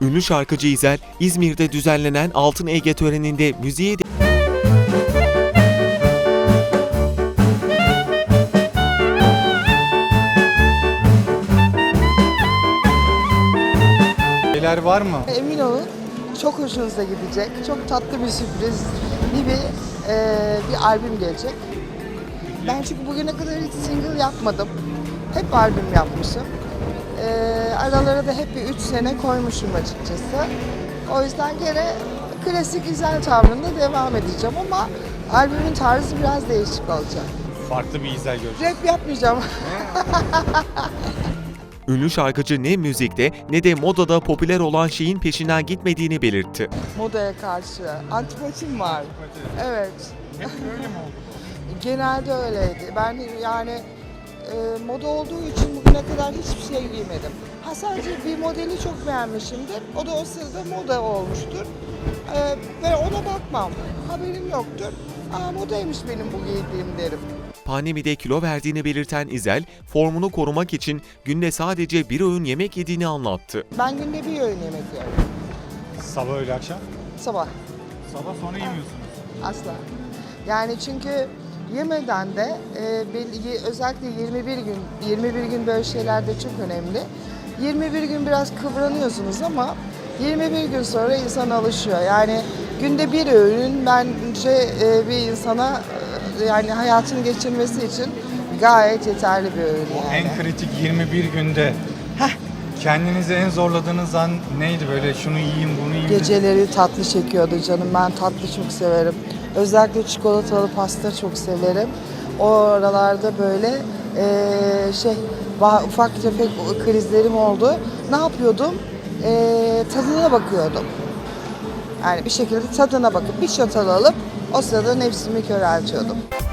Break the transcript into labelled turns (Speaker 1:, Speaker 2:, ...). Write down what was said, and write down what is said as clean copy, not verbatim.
Speaker 1: Ünlü şarkıcı İzel, İzmir'de düzenlenen Altın Ege töreninde müziğe
Speaker 2: Şeyler var mı?
Speaker 3: Emin olun çok hoşunuza gidecek. Çok tatlı bir sürpriz bir albüm gelecek. Ben çünkü bugüne kadar hiç single yapmadım. Hep albüm yapmışım. Aralara da hep bir 3 sene koymuşum açıkçası. O yüzden gene klasik güzel tavrında devam edeceğim ama albümün tarzı biraz değişik olacak.
Speaker 2: Farklı bir İzel göreceğiz.
Speaker 3: Rap yapmayacağım.
Speaker 1: ünlü şarkıcı ne müzikte ne de modada popüler olan şeyin peşinden gitmediğini belirtti.
Speaker 3: Modaya karşı antipatim var. Evet.
Speaker 2: Hep öyle mi oldu?
Speaker 3: Genelde öyleydi. Ben yani moda olduğu için bugüne kadar hiçbir şey giymedim. Ha sadece bir modeli çok beğenmişimdir. O da o sırada moda olmuştur. Ve ona bakmam. Haberim yoktur. Aa modaymış benim bu giydiğim derim.
Speaker 1: Pandemide kilo verdiğini belirten İzel, formunu korumak için günde sadece bir öğün yemek yediğini anlattı.
Speaker 3: Ben günde bir öğün yemek yiyorum.
Speaker 2: Sabah öğle akşam?
Speaker 3: Sabah.
Speaker 2: Sabah sonra yemiyorsunuz.
Speaker 3: Asla. Yani çünkü yemeden de özellikle 21 gün böyle şeyler de çok önemli. 21 gün biraz kıvranıyorsunuz ama 21 gün sonra insan alışıyor. Yani günde bir öğün bence bir insana yani hayatını geçirmesi için gayet yeterli bir öğün yani.
Speaker 2: En kritik 21 günde kendinizi en zorladığınız an neydi, böyle şunu yiyeyim bunu yiyeyim?
Speaker 3: Geceleri tatlı çekiyordu canım. Ben tatlı çok severim. Özellikle çikolatalı pasta çok severim. O aralarda böyle ufak tefek krizlerim oldu. Ne yapıyordum? Tadına bakıyordum. Yani bir şekilde tadına bakıp bir çatal alıp o sırada nefsimi köreltiyordum.